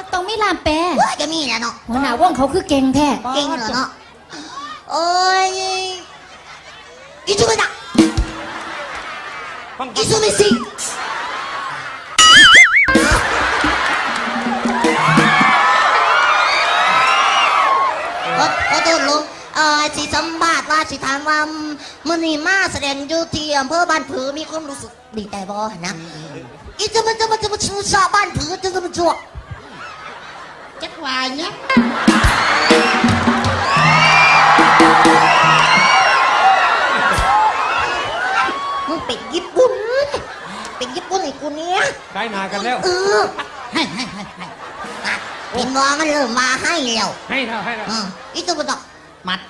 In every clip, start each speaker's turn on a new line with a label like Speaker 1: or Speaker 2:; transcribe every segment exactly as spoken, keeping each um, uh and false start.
Speaker 1: ต้องมีลามแปร
Speaker 2: จะมีแหละเนาะ
Speaker 1: หัวหน้าวงเขาคือเก่งแท้
Speaker 2: เก่งเหรอเนาะโอ้ยอิซูมิดะอิซูมิซิขอโทษลุงเอ่อสิสัมภาษณ์ว่าสิถามว่ามื้อนี้มาแสดงอยู่ที่อำเภอบ้านผือมีความรู้สึกดีใจบ่นะอีจะมันจะมันจะมาชูชาบ้านผือจะจะมาจวกจักวายเนี่ยมึงเป็นญี่ปุ่นเป็นญี่ปุ่นไอ้กูเนี้ย
Speaker 3: ใกล้นากันแล้ว
Speaker 2: เออให้ให้ให้ให้พี่น้องมันเริ่มมาให้แล้ว
Speaker 3: ให้แล้วให้แล้ว
Speaker 2: อีตัวมันตอกมัด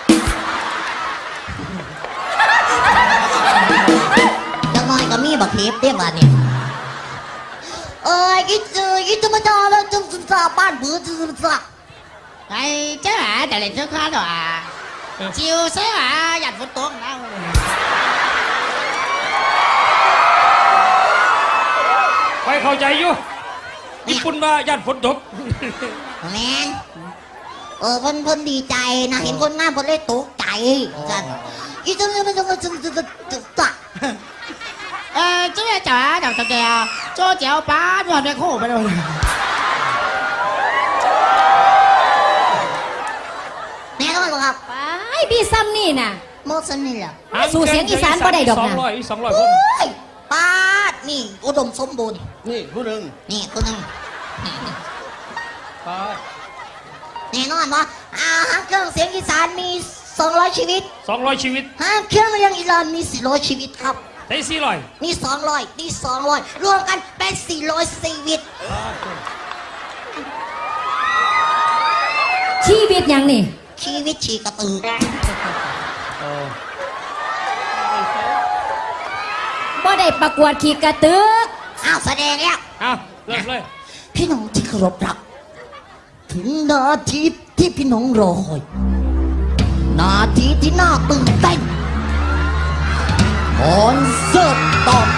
Speaker 2: จังน้อยก็มีบักเทปเตี้ยบ้านเนี่ยเอ้ยอีตัวอีตัวมันจะแล้วจะจะบ้านผือจะจะ
Speaker 4: ไอ้เจ้าหาแต่เล่นเจ้าข้าหน่อยชิวใช่ไหมหยัดฝนตกนะ
Speaker 3: ไปเข้าใจอยู่ญี่ปุ่นมาญาติฝนตก
Speaker 2: แมนเออเพิ่นเพิ่นดีใจนะเห็นคนงานเพิ่นเลยตกใจจันอีจังเลยมันจะจะจะจะจะจะ
Speaker 4: เออเจ้าจ๋าเจ้าตะแกโจ้เจ้าป้าหยอดไปโค้ไปเลย
Speaker 2: แน่นอนครับ
Speaker 1: ไปพี่ซ้ำนี่น่ะ
Speaker 2: โมซันนี่แหละ
Speaker 1: สู่เสียงอีสานบ่ได้ดอกนะ
Speaker 3: สองร้อยสองร้อยคน
Speaker 2: ป้านี่อุดมสมบูรณ์
Speaker 3: นี่ผู้หนึ่ง
Speaker 2: นี่คนหนึ่ง
Speaker 3: ป้า
Speaker 2: แน่นอนว่าอาหางเครื่องเสียงอีสานมีสองร้อยชีวิต
Speaker 3: สองร้อยชีวิต
Speaker 2: หางเครื่องเสียงอีสานมีสี่ร้อยชีวิตครับ
Speaker 3: ได้สี่ร้อย
Speaker 2: นี่สองร้อยนี่สองร้อยรวมกันเป็นสี่ร้อยชีวิต
Speaker 1: ชีวิตยังนี่
Speaker 2: ชีวิตชีกระตือ
Speaker 1: บ่ได้ประกวดขี่กระตือ
Speaker 2: อ้าวแสดงแล้ว
Speaker 3: อ้าวเริ่มเลย
Speaker 2: พี่น้องที่เคารพรักถึงนาทีที่พี่น้องรอคอยนาทีที่น่าตื่นเต้นคอนเสิร์ตตอน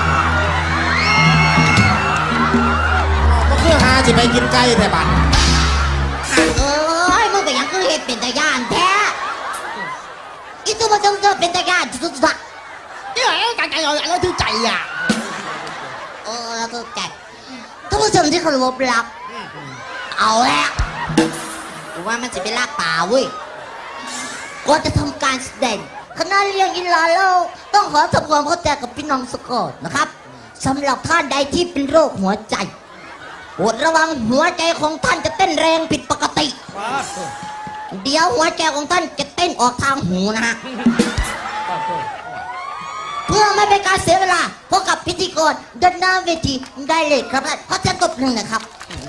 Speaker 5: ก็คือหาสิไปกินไก่แต่บัด
Speaker 2: เอ้ยมึงไปยังคือเห็ดเป็นตะยานแท้อีตัวมันจะเป็นตะยานสุดๆ
Speaker 4: นี่ไงไก่ไก่เราเราถือใจอ่ะ
Speaker 2: เออแล้วก็แกท่านผู้ชมที่เคารพรักเอาแล้วว่ามันจะเป็นลากป่าเว้ยก่อนจะทำการแสดงคณะเลี้ยงอิลาเราต้องขอทำความเข้าใจกับพี่น้องสกอตนะครับสำหรับท่านใดที่เป็นโรคหัวใจโปรดระวังหัวใจของท่านจะเต้นแรงผิดปกติเดี๋ยวหัวใจของท่านจะเต้นออกทางหูนะฮะเพื่อไม่เป็นการเสียเวลาพบกับพิธีกรด้านหน้าเวทีได้เลยครับขอเชิญตบหนึ่งนะครับ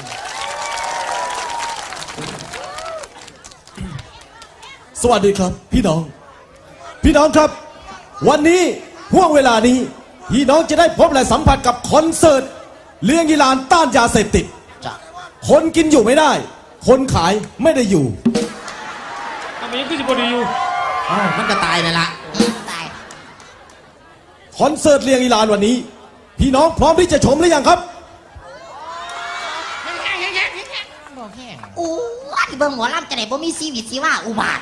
Speaker 5: สวัสดีครับพี่น้องพี่น้องครับวันนี้ห่วงเวลานี้พี่น้องจะได้พบและสัมผัสกับคอนเสิร์ตเลี้ยงยีรานต้านยาเสพติดคนกินอยู่ไม่ได้คนขายไม่ได้อยู่
Speaker 3: ทำไมยังขึ้นบนอยู่
Speaker 5: อ้าวมันก็ตายเลยละ
Speaker 2: ตาย
Speaker 5: คอนเสิร์ตเลี้ยงยีรานวันนี้พี่น้องพร้อมที่จะชมหรือยังครับ
Speaker 2: โอ้ยเบิ่งหมอลำจะไหนบ่มีชีวิตชีว่าอุบาท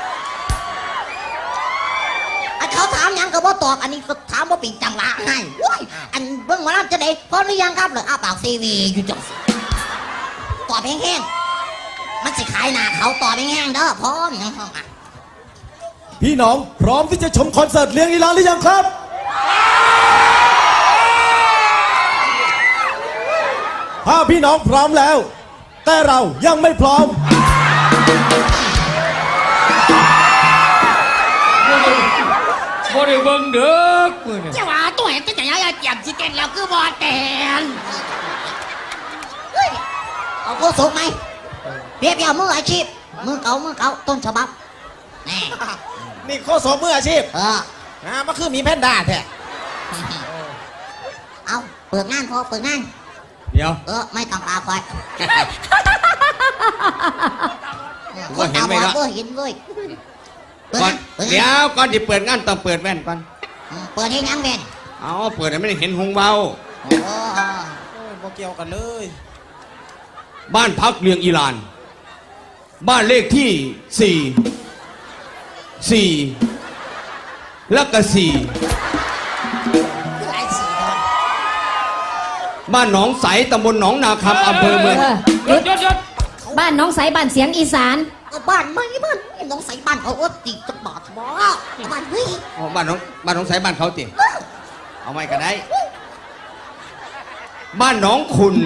Speaker 2: เขาถามยังก็บ่ตอบอันนี้ก็ถามว่าเป็นจังหวะให้อันเบิ่งหมอลำจะไหนพร้อมหรือยังครับเลยอ้าปากซีวีอยู่จังตอบแห้งๆมันสิขายหน้าเขาตอบแห้งๆเด้อพร้อมยังพร้อมอ่ะ
Speaker 5: พี่น้องพร้อมที่จะชมคอนเสิร์ตเลี้ยงยีรานหรือยังครับถ้าพี่น้องพร้อมแล้วแต่เรายังไม่พร้อม
Speaker 3: บริเวณเด็ก
Speaker 4: เจ้าว่าตัวเห็นจะยังเจียมสิเต้นแล้วคือบอลเต้น
Speaker 2: เอาโคสุกไหมเปียบยาวมืออาชีพมือเก่ามือเก่าต้นฉบับนี่
Speaker 5: นี่โคศกมืออาชีพ
Speaker 2: เออ
Speaker 5: นะมันคือมีแพนด้าแท้
Speaker 2: เอาเปิดงานพอเปิดงาน
Speaker 3: เดี๋ยว
Speaker 2: เออไม่ต้องตาคอย
Speaker 3: ก็เห็นไหมครับ
Speaker 2: ก็เห็นด้วย
Speaker 3: ก่อนเดี๋ยวก่อนที่เปิดงานต้องเปิดแว่นก่อน
Speaker 2: เปิดให้ยังแว่น
Speaker 3: เอาเปิดไม่ได้เห็นหงเบา
Speaker 5: โอ้โหเกี่ยวกันเลย
Speaker 3: บ้านพักเลียงอีลาน บ้านเลขที่สี่สี่แล้วก็สี่
Speaker 4: หลายสีทอน
Speaker 3: บ้านหนองใสตำบลหนองนาคำอำเภอเมือง
Speaker 1: เออหยุดหยุดบ้านน้องใสบ้านเสียงอีสาน
Speaker 2: ก็บ้านไม่บ้านน้องใส่บ้านเขาว่าตีจะบาดบ่บ้านเฮ้ย
Speaker 3: อ๋อบ้านหนองบ้านหนองใสบ้านเขาติเอาไม่ก็ได้ บ้านหนองขุน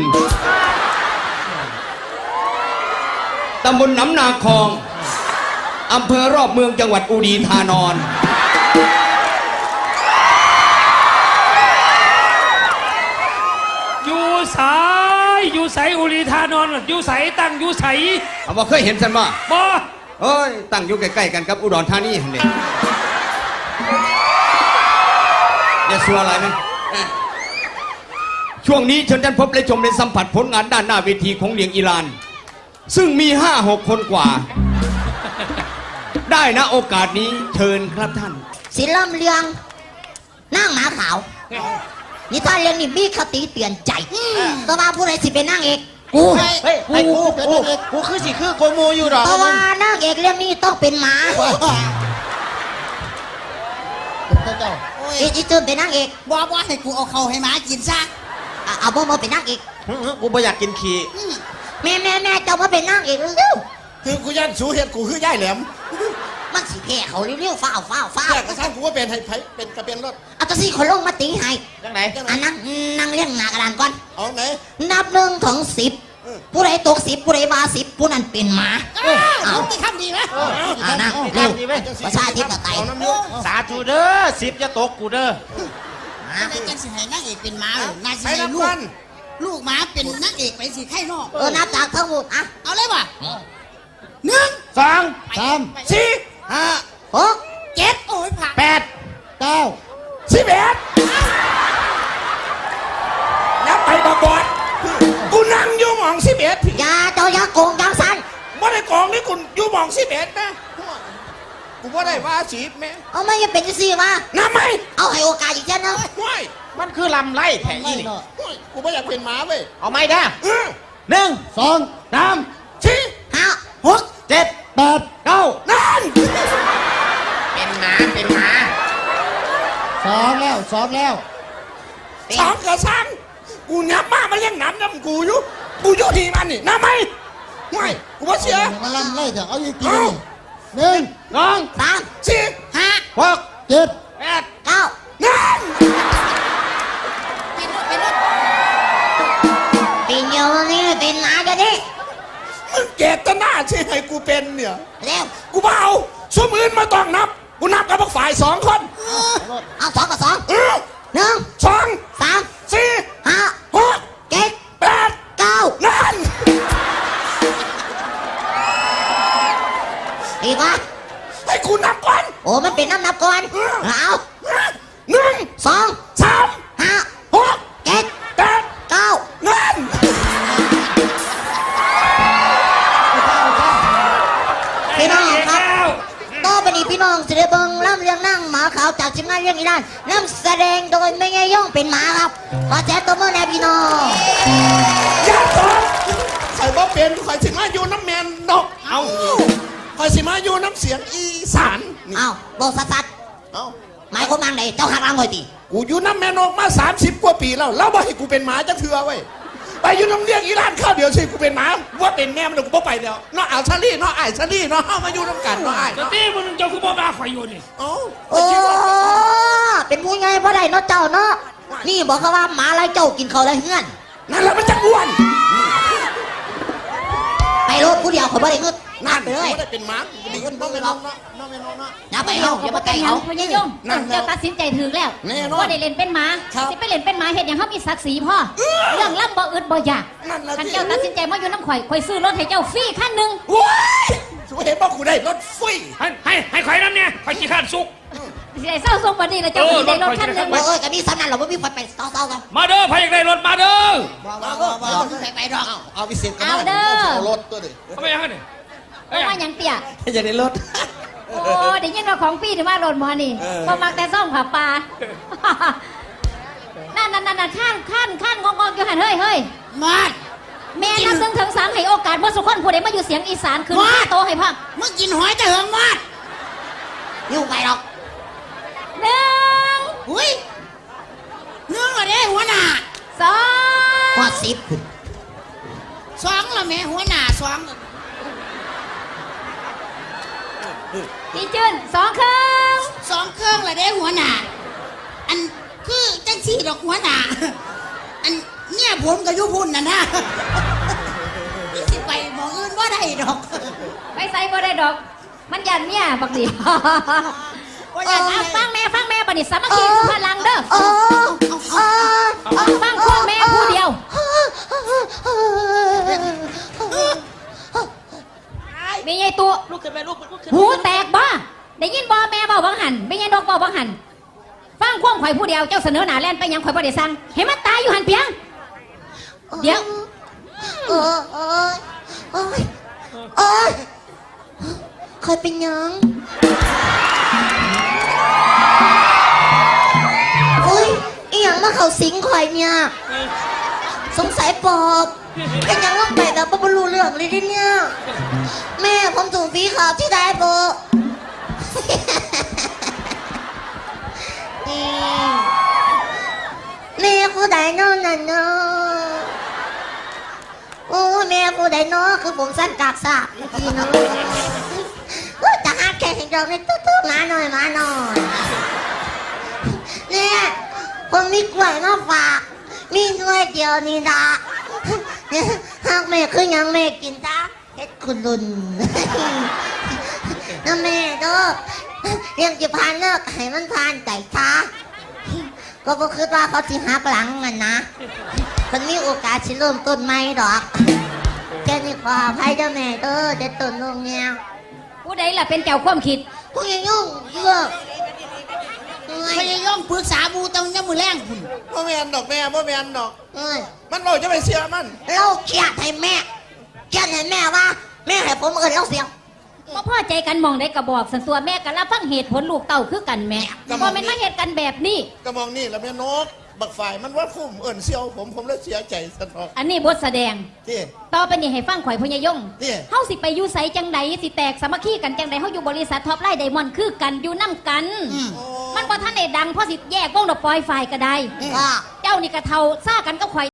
Speaker 3: ตำบลหนำนาคองอำเภอรอบเมืองจังหวัดอุดีธานอนอยู่สายอยู่ใสอุรีธานอนอยู่ใสตั้งอยู่ใสเอาบ่เคยเห็นสันบ่บ่เอ้ยตั้งอยู่ใกล้ๆกันกับอุดรธานีหั่นเด้อย่าสัวอะไรมั้ยช่วงนี้เชิญท่านพบและชมในสัมผัสผลงานด้านหน้าเวทีของเลียงอีลานซึ่งมีห้าหกคนกว่า ได้นะโอกาสนี้เชิญครับท่าน
Speaker 2: ศิลป์เรืองนั่งหมาขาวนี่ท่านเรื่องนี่มีคติเตือนใจแต่ว่าผู้ใดสิเป็นนางเอกกู
Speaker 4: เฮ้ยเฮ้ยไอ้กูกูกูคือสิคือโกโมอยู่ดอก
Speaker 2: แต่ว่านางเอกเรื่องนี้ต้องเป็นหมา
Speaker 4: เจ้า
Speaker 2: อีอีจืนเป็นนางเอก
Speaker 4: บอกว่าให้กูเอาเขาให้หมากินซะ
Speaker 2: อ่ะเอาบ่มาเป็นนางเอก
Speaker 6: กูไม่อยากกินขี้
Speaker 2: แม่แม่แม่เจ้ามาเป็นนางเอกเร็ว
Speaker 6: คือกูย่านสูเห็ดกูคือย่ายแหลม
Speaker 2: ๆมันสิแพ้เขาเร็วๆฟ้าวฟ้าวฟ้าว
Speaker 6: อยากกระทั่งกูว่าเป็นให้ไผเป็นกระเป็นรถ
Speaker 2: เอาตัวสี่คนลงมาตีให้
Speaker 6: จังไหนจังไหน
Speaker 2: อันนั่งนั่งเลี้ยงหน้ากระดานก่อน
Speaker 6: เอาไหน
Speaker 2: นับหนึ่งถึงสิบผู้ใดตกสิบผู้ใดว่าสิบผู้นั้นเป็นหมา
Speaker 4: เอาที่คำดีไหม
Speaker 2: อ่านั่งเร็วประชาธิปไตย
Speaker 6: เอาน้ำยุ
Speaker 7: สาธุเด้อสิบจะตกกูเด้อ
Speaker 4: อะไรกันสิให้นางเอกเป็นหมาเลยนายสิ
Speaker 6: ใช้
Speaker 4: ให้ลู
Speaker 6: น้ำ
Speaker 4: ก
Speaker 6: กัน
Speaker 4: ลูกหมาเป็นนางเอกไปสิไข่นอก
Speaker 2: เออนับจากทั้งหมดอ่ะ
Speaker 4: เอาเลยว่ะหนึ่ง
Speaker 7: สอง
Speaker 4: สาม
Speaker 7: สี่
Speaker 6: ห้า
Speaker 2: หก
Speaker 4: เจ็ดโอ้ยผ่าน
Speaker 7: แปด
Speaker 6: เก้า
Speaker 7: สิบเอ็ดแล้วไปบาบอดกูนั่งอยู่หมองสิบเอ็ดพี่
Speaker 2: อย่าเจ้าอย่าโกงจังสัน
Speaker 7: บ่ได้กองนี่กูอยู่หมองสิบเอ็ดนะ
Speaker 6: กูว่าได้ว่าสีแม่
Speaker 2: เอาไม่ยังเป็นจังซี่มา
Speaker 7: น้ำไหม
Speaker 2: เอาให้โอกาสอีกเช่นนึง
Speaker 6: ห้วย
Speaker 7: มันคือลำไรแผงอีนี่
Speaker 6: ห้วยกูไม่อยากเป็นหมาเว้ย
Speaker 7: เอาไม่ได้
Speaker 6: เออ
Speaker 7: หนึ่ง
Speaker 6: สอง
Speaker 7: สามสี่
Speaker 2: ห้า
Speaker 7: หกเจ็ด
Speaker 6: แปด
Speaker 7: เก้า
Speaker 6: นั่น
Speaker 7: เป็นหมาเป็นหมา
Speaker 6: สองแล้วสองแล้ว
Speaker 7: สองกระสังกูน้ำมามันยังน้ำน้ำกูอยู่กูอยู่ที่มันนี่น้ำไหมไม่กูว่าเสีย
Speaker 6: มาลั่นไล่เถอะเอาอีกทีนึงหนึ่ง
Speaker 7: สอง
Speaker 2: สาม
Speaker 7: สี่
Speaker 2: ห้า
Speaker 7: หก
Speaker 6: เจ็ด
Speaker 7: แปด
Speaker 2: เก้า
Speaker 7: นั่น
Speaker 4: เป็นรถเป็นรถ
Speaker 2: เป็นโยนี่เป็นหมาเดี๋ยวนี้
Speaker 7: มึงเจตนาใช่ให้กูเป็นเนี่ย
Speaker 2: เร็ว
Speaker 7: กูเบาสมอื่นมาต้องนับ กูนับกับพวกฝ่ายสองคน
Speaker 2: เอาสองกับสอง
Speaker 7: เออ
Speaker 2: หนึ่ง
Speaker 7: สอง
Speaker 2: สาม
Speaker 7: สี่
Speaker 2: ห้า
Speaker 7: หก
Speaker 2: เจ็ด
Speaker 7: แปด
Speaker 2: เก้า
Speaker 7: นั่น
Speaker 2: อีกวะ
Speaker 7: ให้กูนับก่อน
Speaker 2: โอ้มันเป็นน้ำนับก่อนเอา
Speaker 7: หนึ่ง
Speaker 2: สอง
Speaker 7: สาม
Speaker 2: ห้า
Speaker 7: หก
Speaker 2: เจ็ด
Speaker 7: แปด
Speaker 2: เก้า
Speaker 7: นั่น
Speaker 2: พี่น้องครับต่อไปนี้พี่น้องจะได้เบิ่งล่ำเรียงนั่งหมาขาวจากทีมงานเรื่องอีรานน้ำแสดงโดยไม่ไงย่องเป็นหมาครับขอแจ้งตัวเมื่อแน่พี่น้อง
Speaker 7: อย่าตอบ
Speaker 6: ข่อยบ่เป็นข่อยสิมาอยู่น้ำแมนดอก
Speaker 7: เอา
Speaker 6: ข่อยสิมาอยู่น้ำเสียงอีสานนี่
Speaker 2: เอาบอกสัตว์
Speaker 6: เอา
Speaker 2: หมายความว่าไงเจ้าหักรังหน่อยดิ
Speaker 6: กูอยู่น้ำแมนอกมาสามสิบกว่าปีแล้วแล้วบ่ให้กูเป็นหมาจะเถื่อไว้ยไปอยู่น้ำเลี้ยงอีรานข้าวเดียวสิกูเป็นหมาว่าเป็นแม่มันกูบ่ไปแล้วเนาะเอาชาลี่เนาะไอ้ายชาลี่เนาะเฮามาอยู่น้ำกันเนาะไอ้าย
Speaker 3: แต่
Speaker 6: เนาะ
Speaker 3: ที่มึงเจ้าคือบ่มาข่อยอยู่นี่
Speaker 6: เอ้า
Speaker 2: โอ้เป็นผู้ใหญ่พ่อใดเนาะเจ้าเนาะนี่บอกเขาว่าหมาไล่เจ้ากินเขาไล่เฮือน
Speaker 6: นั่นแหละมันจะอ้วน
Speaker 2: ไปรถผู้เดียวเขาบ่ได้เงินนับไปเลย
Speaker 6: บ่ได้เป็นหมากูดีขึ้นน้องไม่น้องเนาะน้องไม่น้องเนาะ
Speaker 2: นับไปเอาอย่ามาใกล้เขา
Speaker 1: พญายม
Speaker 6: นั่นแล้ว
Speaker 1: เจ้าตัดสินใจถึงแล้ว
Speaker 6: แน่นอน
Speaker 1: ว่าได้เล่นเป็นหมา
Speaker 6: ครับ
Speaker 1: สิไปเล่นเป็นหมาเฮ็ดอย่างเขามีศักดิ์ศรีพ่อเรื่องล่ำบ่อึดบ่อยาก
Speaker 6: นั่นแหละ
Speaker 1: คัน
Speaker 6: ที่
Speaker 1: เจ้าตัดสินใจมาอยู่น้ำข่อยข่อยซื้อรถให้เจ้าฟรีคันหนึ่ง
Speaker 6: ว้ายสุเห็นบอกกูได้รถฟรี
Speaker 3: ให้ให้ให้ข่อยน้ำเนี่ยข่อยขี้ข้านสุก
Speaker 1: สิได้เศร้าทรงบัดนี้แล้วเจ้า
Speaker 3: เออ
Speaker 1: สิได้รถ
Speaker 3: รถข่
Speaker 1: คั
Speaker 3: อย
Speaker 1: น
Speaker 3: สิ
Speaker 1: ห
Speaker 3: ได้
Speaker 1: นึ่ง
Speaker 2: โอ้ยก็มีสำนักเราไม่มีไฟไปเศร้าๆกัน
Speaker 3: มาเด้อใครอยากได้รถมาเด้อ
Speaker 6: ว้าวว้าวว้าว
Speaker 4: ไปไปดอก
Speaker 6: เอาเอาวิเศษกัน
Speaker 1: เอาเด้อ
Speaker 6: เอารถตัวดิ
Speaker 3: เอาไปยังไงเนี่ย
Speaker 1: เพราะว่าหยังเตี้ย
Speaker 6: จะได้รถ
Speaker 1: โอ้ได้ยินว่าของฟรีถึงว่ารถหมอนี่บ่มักแต่ซ่อมขาปลา นั่นนั่นนั่นข้านข้านข้านงงๆอยู่หันเฮ้ยเฮ้ย
Speaker 4: มาด
Speaker 1: แม่นับถึงถึงสามให้โอกาสเมื่อสุขคนผู้ใดมาอยู่เสียงอีสานขึ้น
Speaker 4: มา
Speaker 1: โตให้พัก
Speaker 4: มึงกินหอยจะเหิงมอด
Speaker 2: อยู่ไปหรอก
Speaker 1: หนึ่ง
Speaker 4: อุ้ยเนื่องละเด้หัวหน้า
Speaker 1: สอง
Speaker 2: พอสิบ
Speaker 4: สองละแม่หัวหน้าสอง
Speaker 1: พี่จืนสองครึ่ง
Speaker 4: สองเครื่องละเด้หัวหน้าอันคือจังสี่ดอกหัวหน้าอันเนี่ยผมกับยุพุ่นน่ะนะนี่สิไปหมองอื่นว่าได้ดอก
Speaker 1: ไปใส่บ่ได้ดอก มันยันเนี่ยบักดี
Speaker 4: ว่าอย่าง
Speaker 1: เอา
Speaker 4: นั้น
Speaker 1: ฟังแม่ฟังแม่ปฏิสามัคคีคือพลังเด้อ
Speaker 2: โอ้โอ้
Speaker 1: ฟังพวกแม่ผู้เดียว มีไงตัว
Speaker 4: ลูกขึ้นไปลูกลูกขึ้น
Speaker 1: หูแตกบ้าได้ยินบ่แม่เบาบังหันไม่ยินดอกเบาบังหัน ฟังความข่อยผู้เดียวเจ้าเสนอหน้าแล่นไปยังข่อยบ่ได้สั่งให้มันตายอยู่หันเพียง เดี๋ยว
Speaker 2: โอ้ยโอ้ยโอ้ยโอ้ยเคยเป็นหยังอุ้ยอีหยังมาเขาสิงข่อยเนี่ย สงสัยปอบเป็นหยังลงไปแบบบ่รู้เรื่องเลยดิเนี่ย แม่ผมถูกผีขาวที่ได้โบนี่แม่ผู้ใดนอนนั่นเนาะโอ้แม่ผู้ใดเนาะคือผมสั้นกากสาบเมื่อกี้เนาะโอ้จะหาแค่เห็นดอกนี่ตุ๊ดๆมาหน่อยมาหน่อยเนี่ยผมมีกล้วยมาฝากมีหน่วยเดียวนี่ละเนี่ยหากแม่คือหยังแม่กินจ้าเฮ็ดคุณลุนนะแม่เด้อเรื่องจะผ่านเลิกให้มันผ่านใจช้าก็บ่คิดว่าเขาสิหักหลังมันนะคนมีโอกาสสิเริ่มต้นใหม่ดอกแค่นี้ขออภัยเด้อแม่เด้อเด็ดต้นลงเนี่ย
Speaker 1: ผู้ใดล่ะเป็นเจ้าความคิด
Speaker 2: พวกยังยุ่งเยอะ
Speaker 4: พยายามปรึกษาบูตรงนี้มือแรงคุณ
Speaker 6: บ่แม่นดอกแม่บ่แม่นดอก
Speaker 2: เอ้ย
Speaker 6: มันเราจะไปเสียมัน
Speaker 2: เราเครียดให้แม่เครียดให้แม่ว่า แม่ให้ผมเอินเราเสียง
Speaker 1: บ่พอใจกันมองได้กระบอกสันตัวแม่กันรับฟังเหตุผลลูกเต่าคือกันแม่บ่แม่นมาเหตุกันแบบนี้
Speaker 6: กระมองนี่แล้วแม่นก บักฝ่ายมันว่าคุ้มเอินเซียวผมผมเลยเสียใจสนอก
Speaker 1: อันนี้บทแสดง
Speaker 6: ที่
Speaker 1: ต่อไปนี้ให้ฟังข่อยพญายง
Speaker 6: นี่
Speaker 1: เฮาสิไปอยู่ไสจังใดสิแตกสามัคคีกันจังใดเฮาอยู่บริษัทท็อปไลน์ไดมอนด์คือกันอยู่นํกัน มันบ่ทันได้ดังเพราะสิแยกวงดอกปล่อยฝ่ายก็ได้
Speaker 2: ก็
Speaker 1: เจ้านี่กระเทาซ่ากันกับข่อย